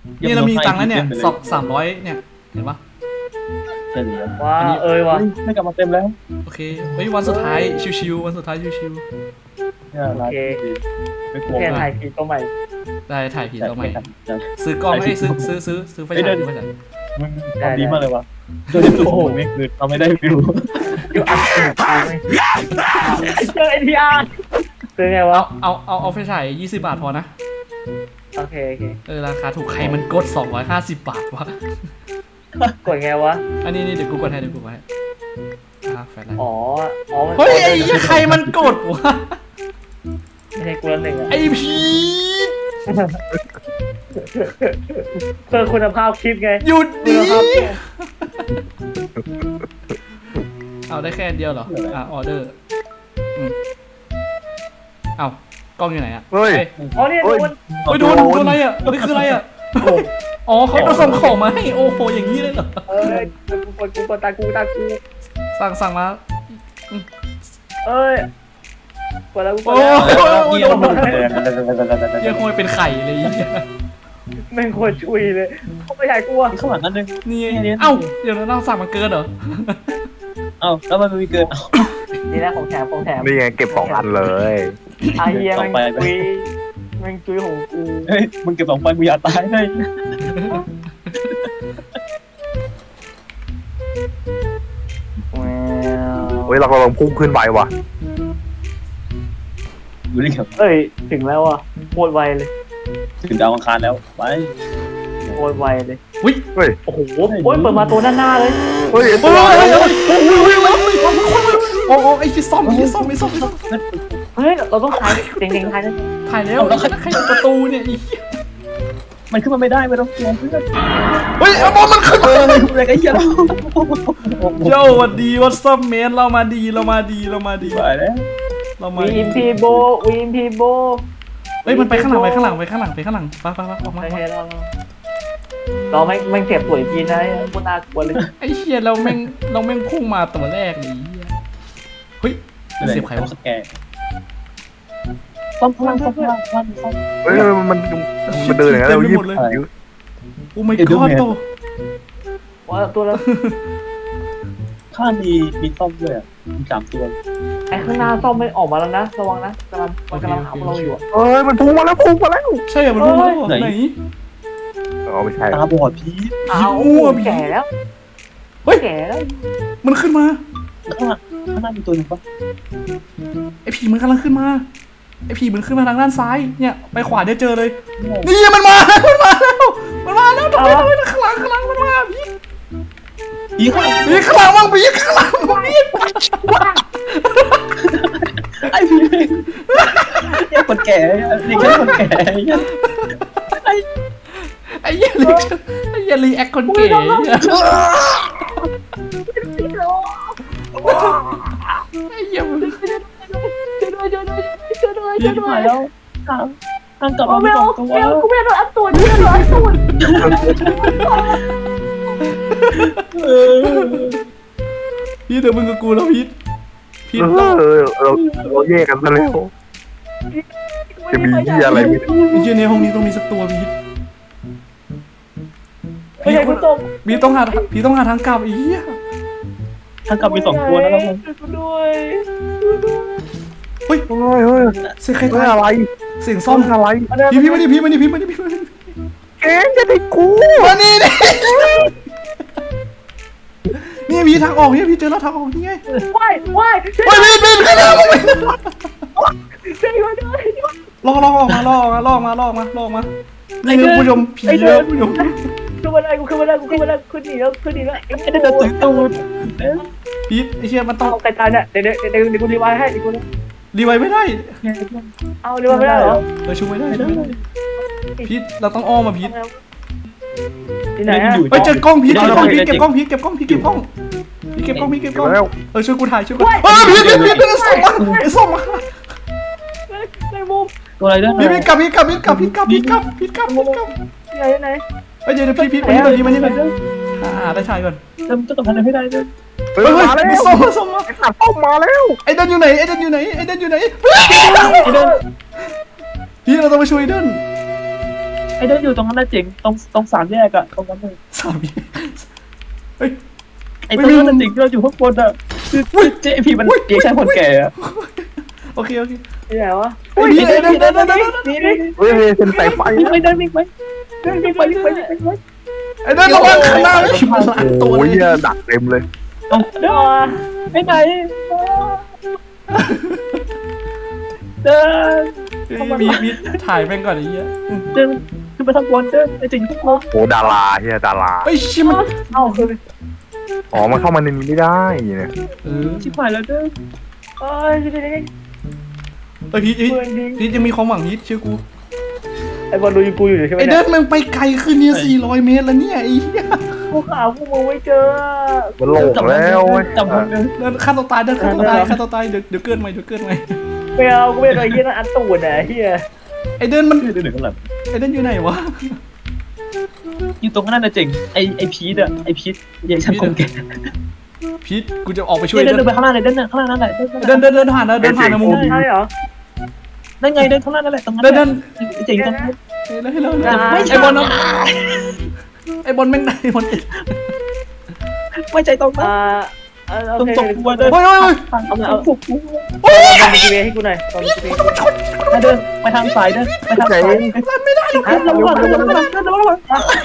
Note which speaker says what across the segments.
Speaker 1: นี่เรามีตังค์แล้วเนี่ย300เนี่ยเห็นปะ
Speaker 2: เฉลี่ย
Speaker 3: ว้าว่ะ
Speaker 2: ไม่กลับมาเต็มแล้ว
Speaker 1: โอเคเฮ้ยวันสุดท้ายชิวๆวันสุดท้ายชิว
Speaker 2: เนี่ยร้านไม่กลัว
Speaker 3: แค่
Speaker 2: มา
Speaker 3: ถ่าก ยผีตัวใหม่
Speaker 1: ๆได้ถ่ายผีตัวใหม่
Speaker 2: จะ
Speaker 1: ซื้อกล้องให้ซื้อไฟฉายด้วยกัน
Speaker 2: มันทำดีมากเลยวะโดยที่ตัวผมนี่คือทำไม่ได้ฟิว
Speaker 3: อยู่อัดสนุกไหมเจอไอทีอาร์ซื้อไงวะ
Speaker 1: เอาไฟฉาย20 บาทพอนะ
Speaker 3: โอเค
Speaker 1: ราคาถูกใครมันกด250 บาทวะ
Speaker 3: กดไงวะ
Speaker 1: อันนี้เดี๋ยวกูกดให้แฟลชไลท์
Speaker 3: อ๋อมัน
Speaker 1: เฮ้ยไอ้ใครมันกดวะ
Speaker 3: ไม่ใช่กูละหนึ่งอ่ะ
Speaker 1: ไอ้พี
Speaker 3: เพื่อคุณภาพคลิปไง
Speaker 1: หยุด
Speaker 3: คุ
Speaker 1: ดิ
Speaker 3: ณภาพ
Speaker 1: เอาได้แค่อันเดียวเหรอออเดอร์เอากล้องอยู่ไหนอะ
Speaker 4: เฮ้ย
Speaker 3: อ๋อเนี่ยโดน
Speaker 1: เฮ้ยโดนอะไรอะนี่คืออะไรอะอ๋อเขาส่งของมาให้โอ้โหอย่างนี้เลยเหรอ
Speaker 3: กูกดตากู
Speaker 1: สั่งมา
Speaker 3: เอ้ยกดแล้วกูก
Speaker 1: โอ้
Speaker 3: ดแล้ว
Speaker 1: โหยังคงเป็นไข่เลย
Speaker 3: แม่งโคตรชุยเลยเขาไม่ใช่กูอ่ะ
Speaker 2: ข้างหลังนั่นนึง
Speaker 1: นี่เอ้าเดี๋ยวเราสั่งมันเกินเหรอ
Speaker 2: เอ้าแล้วมันมีเกิน
Speaker 3: นี่นะของแถม
Speaker 4: นี่ไงเก็บ2 อันเลย
Speaker 3: ไอเฮียแม่งจุยแม่งจุยของกู
Speaker 2: เฮ้ยมึงเก็บ2 ไฟกูอยากตายเลย
Speaker 4: เฮ้ยเรากำลังพุ่งขึ้นไปว่ะ
Speaker 2: อยู่นี่ครับ
Speaker 3: เอ้ยถึงแล้วอ่ะโคตรไวเลย
Speaker 2: ถึงดาวอังคารแล้วไป
Speaker 3: โคตรไวเลย
Speaker 1: อุ้ย
Speaker 4: เฮ้ย
Speaker 3: โอ้โหเปิดมาตัวด้านหน้าเลย
Speaker 4: เฮ้ย
Speaker 1: โอ้ยโอ้ไอ้ที่ซ่อม
Speaker 3: เฮ้ยเราต้องถ่ายเด้งๆถ่ายนะ
Speaker 1: ถ่ายแล้วใครประตูเนี่ยอี
Speaker 2: มันขึ้นมาไม่ได้ไม่ต้องกลัวเพื่อน
Speaker 1: เฮ้ยเอาบอลมันขึ้น
Speaker 2: อะไรกันเหี้ยเรา
Speaker 1: โย่วัดดีวัดซัมเมนเรามาดี
Speaker 2: ไปแล้ว
Speaker 3: วีอิมพีโบ
Speaker 1: เฮ้ยมันไปข้างหลังไปข้างหลังไปออกมา
Speaker 3: โอเคเราไม่เก็บสวยจีนนะพวกน่ากลัวเลย
Speaker 1: ไอ้เชี่ยเราแม่งพุ่งมาตัวแรกเลยเฮ้ยเสียบใครวะ
Speaker 2: สแกนซ่อมพลัง
Speaker 4: เฮ้ยมันเดินอย่างนั้นเรายิบ
Speaker 1: โอ้ไม่กอดโต
Speaker 3: ว่าตัวละ
Speaker 2: ข้ามีซ่อมด้วยมี3 ตัว
Speaker 3: ไอ้ข้างหน้าซ่อมไม่ออกมาแล้วนะระวังนะมันกำลังหาเราอยู่
Speaker 4: เฮ้ยมันพุ่งมาแล้ว
Speaker 1: ใช่เหรอมันพุ่งมาไหน
Speaker 4: อ๋อไม่ใช่
Speaker 2: ตาบอดพี
Speaker 3: เอาแก่แล้วแก่แล้ว
Speaker 1: มันขึ้นมา
Speaker 2: ข้างหน้ามีตัวนึงปะ
Speaker 1: ไอ้ผีมันกำลังขึ้นมาไอ้ผีมันขึ้นมาทางด้านซ้ายเนี่ยไปขวาเดี๋ยวเจอเลยนี่มันมาแล้วทำไมข้างหลังมันมาพี่
Speaker 2: พีข้าง
Speaker 1: พี่ข้างหลังมั่งพี่ข้างหลังพี่
Speaker 2: ไอ้พีเนี่ยคนแก่นี่แค่คนแก่
Speaker 1: ไอ้เหี้ยรีแอคคนเก๋ไอ้เหี้ยมัน
Speaker 2: ยืนหายแล้วทางกลับมาไม่2 ตัว
Speaker 3: กูไม่โดนอัดตัวนี่โดนอัดตัว
Speaker 1: พี่เดี๋ยวมึงกับกูแล้วพีท
Speaker 4: เราแยกกันซะแล้วจะมีเหี้ยอะไรไม่ได้
Speaker 1: ไอ้เหี้ยในห้องนี้ต้องมีสักตัวพีท
Speaker 3: ไม่ใช่กูตก
Speaker 1: พีทต้องหาทางกลับไอ้เหี้ย
Speaker 2: ทางกลับมี2 ตัวแล้วครับ
Speaker 3: ด้วย
Speaker 1: เฮ้ย
Speaker 4: เฮ้ย
Speaker 1: เสียงใคร
Speaker 4: ไม่
Speaker 1: ตาย
Speaker 4: อะไร
Speaker 1: เสียงซ่อม
Speaker 4: อะไร
Speaker 1: พี่มาดิพี่
Speaker 4: เก่งจะได้กู
Speaker 1: มานี่นี่พี่ทางออกเนี่ยพี่เจอแล้วทางออกนี่ไง
Speaker 3: ว่าย
Speaker 1: เฮ้ยพี่ขึ้นแล้ว
Speaker 3: ช่วยด้วย
Speaker 1: ลอกมานี่คือผู้ชมผีแล้วผู้ชม
Speaker 3: ขึ้นมาได้กูขึ้นหนีแล้วไอ้
Speaker 2: ไอ้เด็กตื่นตูด
Speaker 1: พีทไอ้เชี่ยมันต้อง
Speaker 3: เอาใครตายเนี่ยเดี๋ยวกูรีไวล์ให้เดี๋ยวกู
Speaker 1: รีไวไม่ได้
Speaker 3: เอารีไวล์ไม่ได้เหรอ
Speaker 1: ช่วยไม่ได้พีทเราต้องอ้อมมาพีท
Speaker 3: ที่ไหนอะ
Speaker 1: ไปเจอกล้องพีทเก็บกล้องเก็บกล้อง
Speaker 4: แล้ว
Speaker 1: ช่วยกูถ่ายช่วยกูพีทส่งมา
Speaker 3: ในมุม
Speaker 2: ตัวอะไรด้วย
Speaker 1: พีทกลับที่
Speaker 3: ไหน
Speaker 1: เดี๋ยวพีทมานี่ได้ถ่ายก่อน
Speaker 2: เติมต้องทำอะไรให้ได้ด้วย
Speaker 4: เฮ้ยมาแล้ว
Speaker 1: ส่งมา
Speaker 4: ไอ้สัตว์ต้องมาแล้ว
Speaker 1: ไอ้เดินอยู่ไหนพีทเราต้องไปช่วยเดิน
Speaker 2: ไอ้เดินอยู่ตรงนั้นน่ะเจ๋งตรงสามแยกอะตรงนั้นเลย
Speaker 1: สามีเฮ้ย
Speaker 2: ไอ้ตรงนั้นน่ะเจ๋งที่เราอยู่ข้างบนอะคือเจ๊พี่มันเจ๊ใช่คนแก่อะ
Speaker 1: โอเคโอเค
Speaker 3: ที่ไหนวะ
Speaker 1: เฮ้ยเดิน
Speaker 4: เฮ้ยเส้นสายไฟ
Speaker 2: วิ่งไปเดินวิ่งไปวิ่งไปวิ่งไปวิ่งไป
Speaker 1: ไอ้เดินระวังข้างหน้าเลยมันหลายตัว
Speaker 4: โอ้ย
Speaker 1: เลย
Speaker 4: เนี่ยดักเต็มเลย
Speaker 2: เอาเดินไปไหนเดิน
Speaker 1: มีถ่ายแม่งก่อนไอ้เหี้ย
Speaker 2: เดินขึ้นไปทางบนเดินไอ้เจ๋งทุกคน
Speaker 4: โอ้ดาราเฮียดารา
Speaker 1: เฮ้ยชิมัน
Speaker 3: เอ้าคือ
Speaker 4: อ๋อมันเข้ามาในนี้ไม่ได้เนี่ย
Speaker 2: ชิบหายแล้วเดิน
Speaker 3: เอ้ยที่ไหน
Speaker 1: เฮ้ยพีท
Speaker 3: เพื่อนดี
Speaker 1: พีทยังมีความหวังพีทเชื่อกู
Speaker 3: ไอ้บอลดูยูกูอยู่ใช่ไหม
Speaker 1: ไอ้
Speaker 3: เนี่
Speaker 1: เดิ
Speaker 3: ย
Speaker 1: นมึงไปไกลขึ้นเนี่ย400 เมตรแล้วเนี่ยไอ้เหี้ย
Speaker 3: กูหาพวกมึงไม่เจอ
Speaker 4: มันโหลงแล้วเว้ย
Speaker 2: จับมันเดิน
Speaker 1: เดินฆ่าตัวตายเดินฆ่าตัวตายฆ่าตัวตายเดี๋ยวเกินไหมเดี๋ยวเกินไหม
Speaker 3: ไม่เอากูไม่เคยเฮียนั่นอันตูดอ่ะเฮีย
Speaker 1: ไอ้เดินมัน
Speaker 2: เดินข้างหลัง
Speaker 1: ไอ้เดินอยู่ไหนวะ
Speaker 2: อยู่ตรงนั้นน่ะเจ๋งไอ้พีทอะไอ้พีทยังช่างคงแก่
Speaker 1: พีทกูจะออกไปช่วย
Speaker 2: เดิ
Speaker 1: เดิ
Speaker 2: น
Speaker 1: น
Speaker 2: ไปข้างหน้าเลยเดินข้างหน้านั่นแหละ
Speaker 1: เดินผ่านนะเดินผ่านนะมึง
Speaker 3: ใช่เหรอ
Speaker 2: นั่นไงเดินข้างหน้านั่นแหละตรงนั้น
Speaker 1: เดิน
Speaker 2: เจ๋งตรงนั้น
Speaker 1: เฮ้ยไอ้บอลนะไอ้บอลแม่งไอ้บอลติด
Speaker 2: ไม่ใจตรงนั้น
Speaker 3: โอ
Speaker 2: ตรง
Speaker 3: เค
Speaker 2: ตรงตัวเดิน
Speaker 1: เฮ้ย
Speaker 2: เอาphục
Speaker 3: ตอนจีเวให้กูหน่อยตอนจีเว
Speaker 2: เดินไปทางซ้ายเดินไปทางซ้ายไม่ได้ระวังระวัง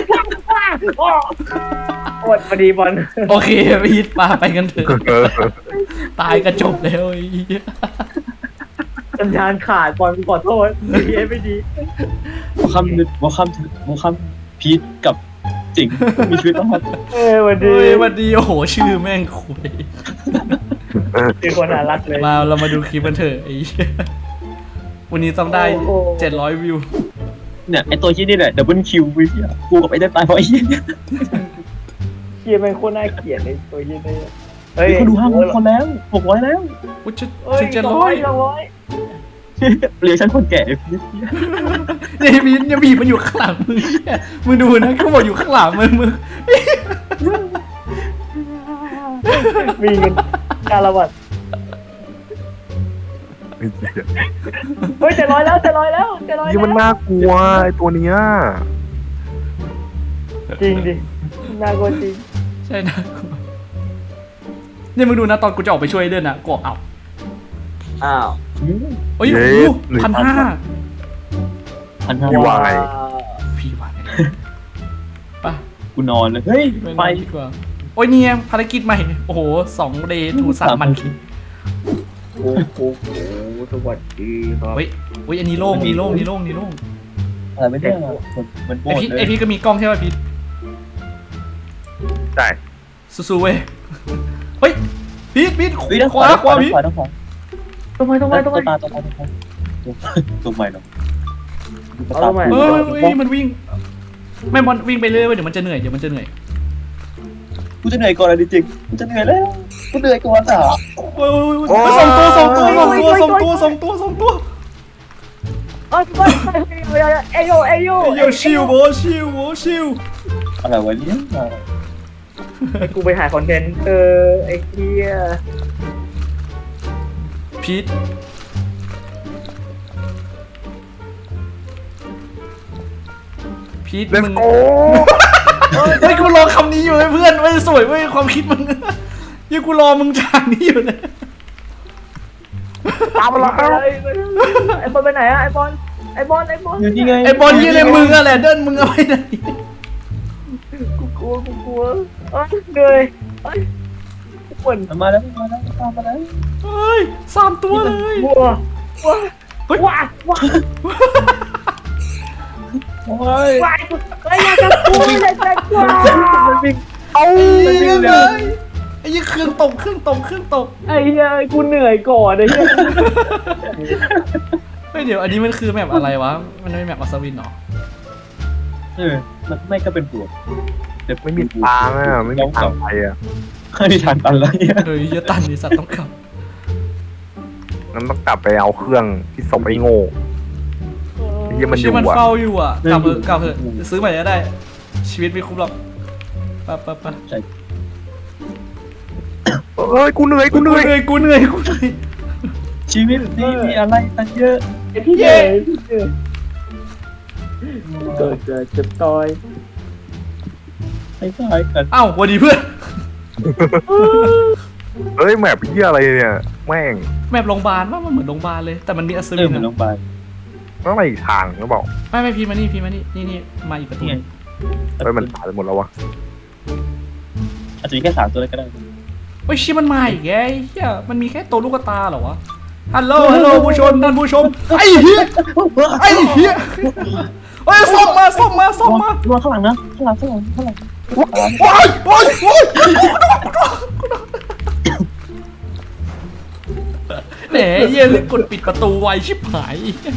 Speaker 3: โอดพอดีบอล
Speaker 1: โอเคพีทมาไปกันเถอะ
Speaker 4: เออ
Speaker 1: ตายก็จบแล้วไอ้เหี้ย
Speaker 3: สัญญาณขาดบอลกูขอโทษเฮียไม่ดี
Speaker 2: วอคัมพีทกับจิงมีชีวิตรอด
Speaker 3: วันดี
Speaker 1: เฮ้ยวันดีโอ้โหชื่อแม่งคุย
Speaker 3: คือคนน่ารักเลย
Speaker 1: มาเรามาดูคลิปกันเถอะไอ้เหี้ยวันนี้ต้องได้700 วิว
Speaker 2: เนี่ยไอตัวยี่นี่แหละดับเบิลคิววิวกูกับไอ้ได้ตายเพราะไอ้ยี่
Speaker 3: เฮียเป็นคนน่าเกลียดเลยตัวเฮียเนี่ยเฮ้ย
Speaker 2: เขาดู5,000 คนแล้ว600แล้ว
Speaker 1: อุ้ยจะ
Speaker 3: เฮ้ย
Speaker 1: จะ
Speaker 3: 200
Speaker 2: เรียกฉันคนแก่พีท
Speaker 1: เนี่ยพีทเนี่ยพีทมันอยู่ข้างหลังมึงเนี่ยมึงดูนะเขาบอกอยู่ข้างหลังมึง
Speaker 3: มีเงินการละวัดเฮ้ย700แล้ว700แล้ว700
Speaker 4: นี่มันน่ากลัวไอตัวเนี้ย
Speaker 3: จริงดิน่ากลัวจริง
Speaker 1: ใช่นะกูเนี่ยมึงดูนะตอนกูจะออกไปช่วยเดินนะกูเอา
Speaker 3: อ้าว
Speaker 1: โอ้ยโอ้โห1,500
Speaker 4: พี่ว่าไง
Speaker 1: พี่ว่าไงไป
Speaker 2: กูนอนเลยเฮ้ย
Speaker 1: ไป
Speaker 2: ไป
Speaker 1: ดีกว่าโอ้ยเนี่ยภารกิจใหม่โอ้โห2 day to 3 มัน
Speaker 3: โอ้โหสวัสดีครับ
Speaker 1: เฮ้ยอันนี้โล่งนี่โล่ง
Speaker 2: อะไรไม่ได้มันโบ
Speaker 1: ไอพี่ก็มีกล้องใช่ไหมพี่
Speaker 4: ใช่
Speaker 1: สู้ๆเว้ยเฮ้ยพีท
Speaker 2: เฮ้ยด้าน
Speaker 1: ขวาพีท
Speaker 3: ทำไม
Speaker 2: ตรงตาตรงใหม่เนาะ
Speaker 1: เฮ้ยมันวิ่งไม่บอลวิ่งไปเรื่อยเว้ยเดี๋ยวมันจะเหนื่อย
Speaker 2: กูจะเหนื่อยก่อนเลยจริงกูจะเหนื่อยแล้วกูเหนื่อยก่อนอ่ะ
Speaker 1: โอ้ย2 ตัว
Speaker 3: เอ้ยโย
Speaker 1: โยชิวโบชิว
Speaker 2: อะไรวะเนี่ย
Speaker 3: กูไปถ่ายคอนเทนต์ไอ้เหี้ย
Speaker 1: พีท
Speaker 4: เลส
Speaker 1: มึง
Speaker 4: โก้
Speaker 1: เฮ้ยกูรอคำนี้อยู่เพื่อนไม่สวยเว้ยความคิดมึงยังกูรอมึงจากนี้อยู่เลย
Speaker 4: ตามมาแล้ว
Speaker 3: ไอ้บอลไปไหนอะไอ้บอล
Speaker 2: อยู่นี่ไง
Speaker 1: ไอ้บอลยี่เลยมึงอะแหละเดินมึงเอาไปไหน
Speaker 3: กูกลัวเหนื่อยปวด
Speaker 2: มาแล้วตามมาแล้ว
Speaker 1: เฮ้ย3 ตัวเลย
Speaker 3: วัว
Speaker 2: โอ้ย
Speaker 3: ว้ายอยากจะกลัวอยากจะกลัว
Speaker 1: เอาเลยไอ้ยี่เครื่องตก
Speaker 3: ไอ้เหี้ยกูเหนื่อยก่อนไอ้เหี้ย
Speaker 1: เฮ้ยเดี๋ยวอันนี้มันคือแมปอะไรวะมันไม่แมปอัศวินหรอ
Speaker 2: มันไม่ก็เป็นปวด
Speaker 4: ไม่มีทางอ่ะไม่มีทางไปอ่ะ
Speaker 2: ไม่มีทางตันแล้วเนี่ย
Speaker 1: เฮ้ยเยอะตันดิสัตว์ต้องกลับ
Speaker 4: งั้นต้องกลับไปเอาเครื่องที่ส่งไอ้โง่ที่มันอ
Speaker 1: ชี
Speaker 4: ยู่
Speaker 1: มัน
Speaker 4: อ่ะ
Speaker 1: เฝ้าอยู่อ่ะกลับเถอะซื้อใหม่ก็ได้ ชีวิตไม่คุ้มหรอกไป
Speaker 4: เอ้ยกูเหนื่อย
Speaker 1: กูเหนื่อย
Speaker 2: ชีวิตนี้มีอะไรตั้งเยอะ
Speaker 3: ไอ้พี่เหนื่อยเกิดจะต่อย
Speaker 2: ไอ้ตายกัน
Speaker 1: เอ้าสวัสดีเพื่อน
Speaker 4: เฮ้ยแมปเหี้ยอะไรเนี่ยแม่ง
Speaker 1: แมปโรงพยาบาลว่ามันเหมือนโรงพยาบาลเลยแต่มันมีอัศ
Speaker 2: เอ
Speaker 1: วิ
Speaker 2: อน เหมือนโร
Speaker 1: อะ
Speaker 2: งพยาบาล
Speaker 4: ต้องไปอีกทางหรือเปล่า
Speaker 1: ไม่พีมานี่นี่มาอีกประตู
Speaker 2: นี่ไง
Speaker 4: เฮ้ยมันตายไปหมดแล้ววะ
Speaker 2: อาจจะมีแค่3ตัวเลยก็ได้
Speaker 1: เฮ้ยชิมันมาอีกไงเฮียมันมีแค่ตัวลูกตาเหรอวะฮัลโหลผู้ชมท่านผู้ชมไอ้เหี้ยเฮ้ยส่งมา
Speaker 2: ระวังข้างหลังนะข้างหลัง
Speaker 1: โอ๊ยแหนเหี้ยกดปิดประตูไวชิบหาย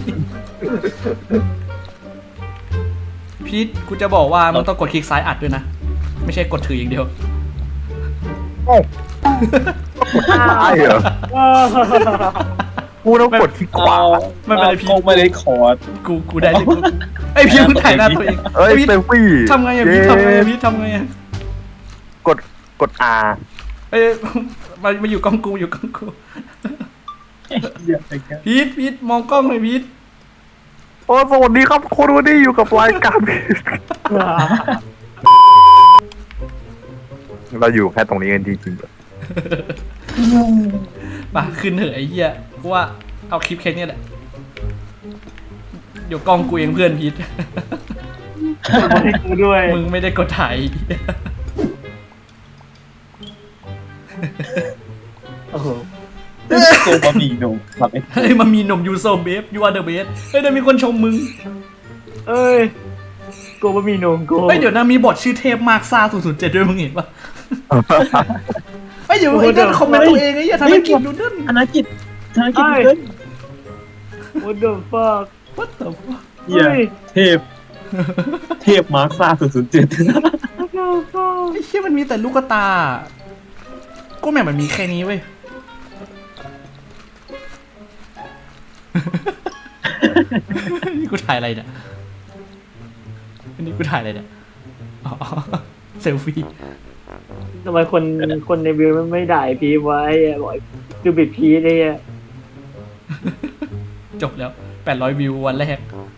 Speaker 1: พีทกูจะบอกว่ามันต้องกดคลิกซ้ายอัดด้วยนะไม่ใช่กดถืออย่างเดียว
Speaker 4: โอ้ตายเหรอกูต้องกดที่ขวา
Speaker 1: ไม่เป็นไรพี่
Speaker 2: ไม่ได้คอร์ด
Speaker 1: กูได้เลยไอพีทมึงถ่ายหน้าตัวเอง
Speaker 4: เอ้ย
Speaker 1: พีท
Speaker 4: เซลฟี่
Speaker 1: ทำไงอะพีททำไงอะพีททำไงอะ
Speaker 4: กด R
Speaker 1: เอ้ยมาอยู่กล้องกูอยู่กล้องกู
Speaker 2: เหี้ยอะไรกัน
Speaker 1: พีทมองกล้องหน่อยพีท
Speaker 4: โอ้สวัสดีครับคนวันนี้อยู่กับรายการเราอยู่แค่ตรงนี้กันจริงๆ
Speaker 1: มาขึ้นเถอะไอ้เหี้ยกูว่าเอาคลิปแค่นี้แหละเดี๋ยวกล้องกูเองเพื่อนพีท
Speaker 3: ให้กูด้วย
Speaker 1: มึงไม่ได้กดถ่าย
Speaker 3: โอ้โห
Speaker 2: ตัวบะหมี่หนุ่มแบบไอ้
Speaker 1: เฮ้ยมันมีหนมยูโซเบฟยูอาร์เดอะเบสเฮ้ยเดี๋ยวมีคนชมมึง
Speaker 3: เอ้ยกูไม่มีนมกู
Speaker 1: เฮ้ยเดี๋ยวนะมีบทชื่อเทพมากซ่า007ด้วยมึงเห็นปะเฮ้ยเดี๋ยวไอ้นั่นคอมเมนต์ตัวเองไอ้เหี้ยธนกิจดูนั่น
Speaker 2: ธนกิจเดิน
Speaker 3: What the fuck
Speaker 1: what the fuck
Speaker 2: เหี้ยเทพมาร์คซ่า007
Speaker 1: ไอ้เหี้ยมันมีแต่ลูกตาก็แม่งมันมีแค่นี้เว้ย นี่กูถ่ายอะไรเนี่ยนี่กูถ่ายอะไรเนี่ยอ๋อเซลฟี่
Speaker 3: ทำไมคนในวิวมันไม่ด่าพีไว้อะบอกดูบิดพีเลยอะ
Speaker 1: จบแล้ว800วิววันแรก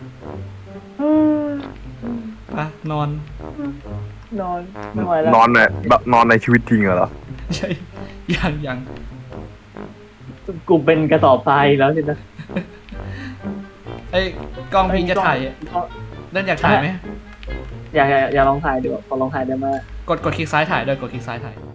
Speaker 1: ไปนอน
Speaker 3: นอนไม่ไหวแล้ว
Speaker 4: นอนเนี่ยแบบนอนในชีวิตจริงเหรอ
Speaker 1: ใช่ยัง
Speaker 3: กูเป็นกระสอบทรายแล้วสินะ
Speaker 1: ไอ้ยกล้องพิงจะถ่ายเล่นอยากถ่ายไหม
Speaker 3: อย่าลองถ่ายดูขอลองถ่ายได้ไหม
Speaker 1: กดคลิกซ้ายถ่ายด้วยกดคลิกซ้ายถ่าย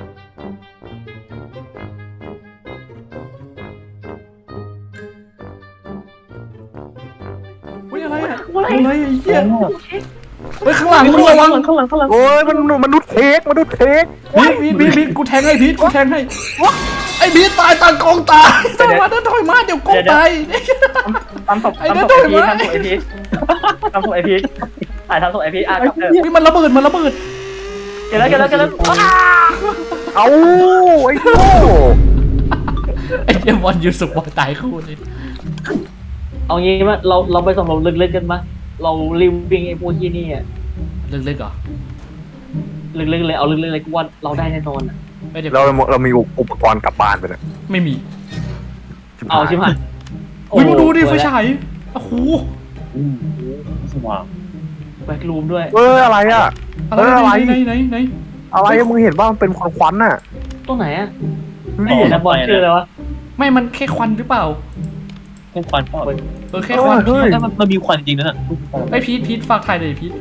Speaker 1: อุ้ยอะไรอะอะไรไอ้เหี้ยเฮ้ยข้างหลังมึงระวัง
Speaker 2: ข้างหลัง
Speaker 4: โอ้ยมันนุษย์เค้ก
Speaker 1: พีทกูแทงให้พีทกูแทงให้ไอ้พีทตายตากองตายถอยมาถอยมาเดี๋ยวกองตาย
Speaker 3: ทำศพไอพีททำศพไอพีทถ่ายทำศพไอพีทอ่ะกับ
Speaker 1: อุ้ยมันระเบิด
Speaker 3: เกิดแล้ว
Speaker 4: เอาไอ้โง่
Speaker 1: ไอ้เหี้ยบอลยูสุกบอลตายคู่เลย
Speaker 3: เอางี้ว่าเราไปสำรวจลึกๆกันมั้ยเรารีบวิ่งไอ้พวกที่นี่อ่ะ
Speaker 1: ลึกๆเหรอ
Speaker 3: ลึกๆเลยเอาลึกๆเลยกูว่าเราได้แน่นอนอ่ะ
Speaker 1: ไม่เดี๋ยว
Speaker 4: เรามีอุปกรณ์กลับบ้านไปเลย
Speaker 1: ไม่มี
Speaker 3: เอาชิบหาย
Speaker 1: อุ้ยมึงดูดิไฟฉายโอ้โห
Speaker 2: สว่าง
Speaker 3: แบ็ครูมด้วย
Speaker 4: อะไรอ่ะ
Speaker 1: อะไร
Speaker 4: อะไร
Speaker 1: ไหน
Speaker 4: อะไรมึงเห็นว่ามันเป็นควันๆน่ะ
Speaker 3: ตรงไหนอ่ะ
Speaker 4: ดู
Speaker 3: นี่
Speaker 4: ดิ
Speaker 3: นะบอลชื่ออะไรวะ
Speaker 1: ไม่มันแค่ควันหรือเปล่า
Speaker 2: แค่ควันเปล่า
Speaker 1: แค่ควัน
Speaker 4: เฮ้ย
Speaker 2: ถ้ามันมีควันจริงนั่นน่ะ
Speaker 1: ไอ้พีทฝากถ่ายเลยพีท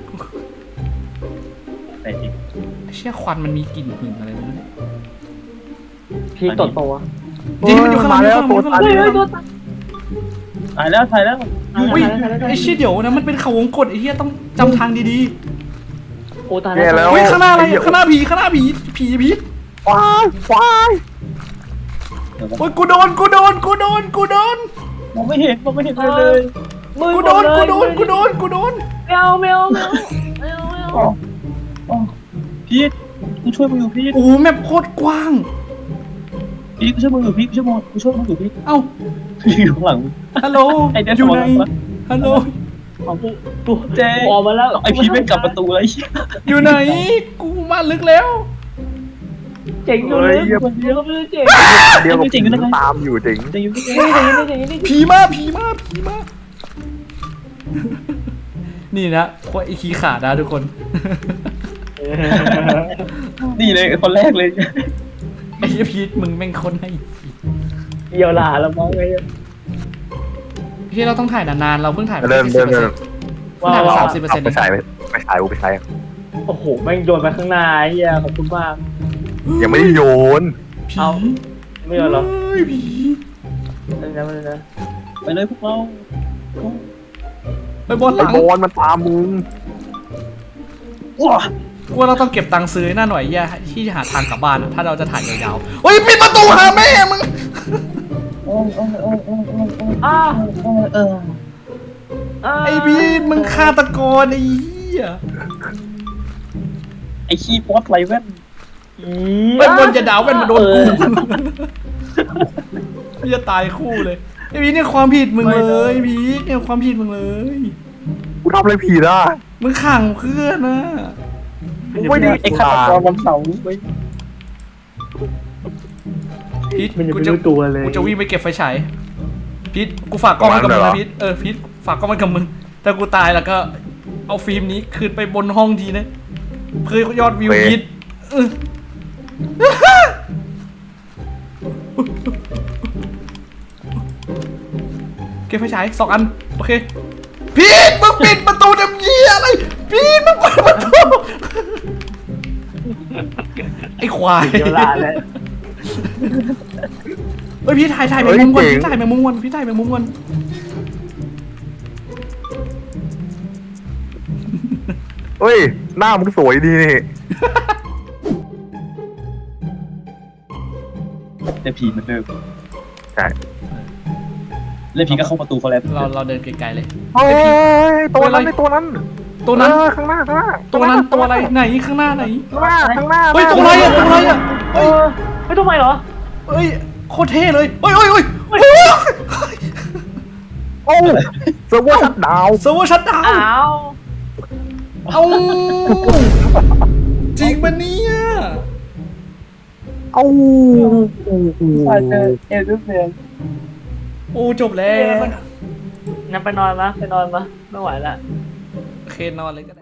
Speaker 2: ไหนจริง
Speaker 1: เชี่ยควันมันมีกลิ่นหึงอะไรไม่รู้เนี่ย
Speaker 3: พีตดโตวะ
Speaker 1: จริงมันอยู่ข้างหลัง
Speaker 4: แล้วตัว
Speaker 1: ข้างหลัง
Speaker 3: เฮ้ยตัวตาย
Speaker 2: ถ่ายแล้ว
Speaker 1: อุ้ยไอ้เชี่ยเดี๋ยวนะมันเป็นเขาวงกตไอ้เหี้ยต้องจำทางดี
Speaker 3: โอ้ตาย
Speaker 4: แย่แล้
Speaker 1: ๆ
Speaker 4: ว
Speaker 1: เฮ้ยข้างหน้าอะไรข้างหน้าผีพีท
Speaker 4: ว้าย
Speaker 1: โอ้ยกูโดน
Speaker 2: มองไม่เห็นเลย
Speaker 1: กูโดน
Speaker 3: ไม่เอา
Speaker 2: พีทกูช่วยมึงอยู่พีท
Speaker 1: โอ้โหแมปโคตรกว้าง
Speaker 2: พีทกูช่วยมึงอยู่พีทกูช่วยมึงอยู่พีท
Speaker 1: เอ้า
Speaker 2: อยู่ข้างหลัง
Speaker 1: ฮัลโหล
Speaker 2: ไอ้เด็ด
Speaker 1: อยู่
Speaker 2: บอ
Speaker 1: ไหน
Speaker 2: ล
Speaker 1: ฮัลโหล
Speaker 3: กูออกมาแล้ว
Speaker 2: ไอพีทไม่กลับประตูเลย
Speaker 1: อยู่ไหนกูมาลึกแล้ว
Speaker 3: เจ๋งอยู่เลยคนเดียวไม่ได้เจ๋ง
Speaker 4: เดียวกับผีตามอยู่จริง
Speaker 2: จะอยู่ที่
Speaker 3: ไม่เจ๋ง
Speaker 1: ผีมานี่นะพวกไอ้ขี้ขาดนะทุกคน
Speaker 2: นี่เลยคนแรกเลย
Speaker 1: ไอ้พีทมึงแม่งคนให้
Speaker 3: เกี่ยวหลาแล้วมั้งไอ้
Speaker 1: พี่เราต้องถ่ายนานๆเราเพิ่งถ่ายไป
Speaker 4: เริ่ม
Speaker 1: 10%เพิ่ง
Speaker 3: ว้า
Speaker 1: ถ่ายไป
Speaker 3: ว
Speaker 1: 30%
Speaker 4: เอาไปใช้ไปใช้กูไปใช้
Speaker 3: โอ้โหแม่งโยนไปข้างหน้าไอ้เหี้ยขอบคุณมาก
Speaker 4: ยังไม่ได้โยน
Speaker 1: ผี
Speaker 3: เอา ไม่โยนหรอ
Speaker 1: เฮ้ยผี
Speaker 3: นั่นนะมันนะ
Speaker 2: ไปเลยพวกเรา
Speaker 1: ไปบอลห
Speaker 4: ไอ้
Speaker 1: ลัง
Speaker 4: บอลมันตามมึง
Speaker 2: ว้า
Speaker 1: กูว่าเราต้องเก็บตังค์ซื้อหน้าหน่อยแย่ที่หาทางกลับบ้านอะถ้าเราจะถ่ายยาวๆเฮ้ยปิดประตูหาแม่มึง
Speaker 2: โอ้ยโอ้ยโอ้ยโอ้ยโอ้ยโอ้ย
Speaker 3: อ้า
Speaker 2: โอ้ยเออ
Speaker 1: ไอ้พีทมึงฆาตกรไอ้เหี้ย
Speaker 2: ไอ้ขี้ป๊อตไรแว่น
Speaker 1: ไอ้บอลจะดาวเป็นมาโดนกูพี่จะตายคู่เลยไอ้พีทเนี่ยความผิดมึงเลยพีทเนี่ยความผิดมึงเลย
Speaker 4: กูทำอะไรผิดอ่ะ
Speaker 1: มึงขังเพื่อนนะ
Speaker 4: กูไม่ได้
Speaker 2: ไอ้ฆาตกรวันเสาร์ไป
Speaker 1: พีท
Speaker 3: มันยัง
Speaker 1: กู
Speaker 3: ไม่
Speaker 1: จะ
Speaker 3: รู้ตัวเลย
Speaker 1: กูจะวิ่งไปเก็บไฟฉายพีทกูฝากกล้องไว้กับมึงนะพีทพีทฝากกล้องไว้กับมึงแต่กูตายแล้วก็เอาฟิล์มนี้คืนไปบนห้องทีนะเพื่อยอดวิวพีทเออเก็บไฟฉาย2 อันโอเคพีทมึงปิดประตูดำเยี่ยอะไรพีทมึงเปิดประตูไอ้ควาย
Speaker 3: เกี่ยวหลาแล้ว
Speaker 1: เฮ้ยพี่ถ่ายแมงมุมก่อนพี่ถ่ายแมงมุมก่อนพี่ถ่ายแมงมุมก่อน
Speaker 4: เฮ้ยหน้ามึงสวยดีนี่
Speaker 2: แต่ผีเหมือนเดิม
Speaker 4: ใช่
Speaker 2: แล้วผีก็เข้าประตูเขาแล้ว
Speaker 1: เราเดินไกลๆเลย
Speaker 4: เฮ้ยตัวนั้นไอ้ตัวนั้น
Speaker 1: ตัวนั้น
Speaker 4: ข้างหน้าข้างหน้า
Speaker 1: ตัวนั้นตัวอะไรไหนข้างหน้าไหน
Speaker 4: ข้างหน้าข้างหน้า
Speaker 1: เฮ้ยตัวอะไรอ่ะตัวอะไรอ่ะ
Speaker 3: เออไม่ต้องไปเหรอ
Speaker 1: เฮ้ยโคตรเท่เลยเฮ้ยเฮ้ยเฮ้ย
Speaker 4: โอ้เซิร์ฟเวอร์ชัดดาวน์
Speaker 1: เซิร์ฟเวอร์ชัตดาวน์
Speaker 3: อ้าว
Speaker 1: เอาจริงปะเนี่ย
Speaker 4: เอ้า
Speaker 2: อาจจะเอลดูเซียน
Speaker 1: โอ้จบแล้ว
Speaker 3: งั้นไปนอนมะไปนอนมะไม่ไหวละ
Speaker 1: โอเคนอนเลยก็ได้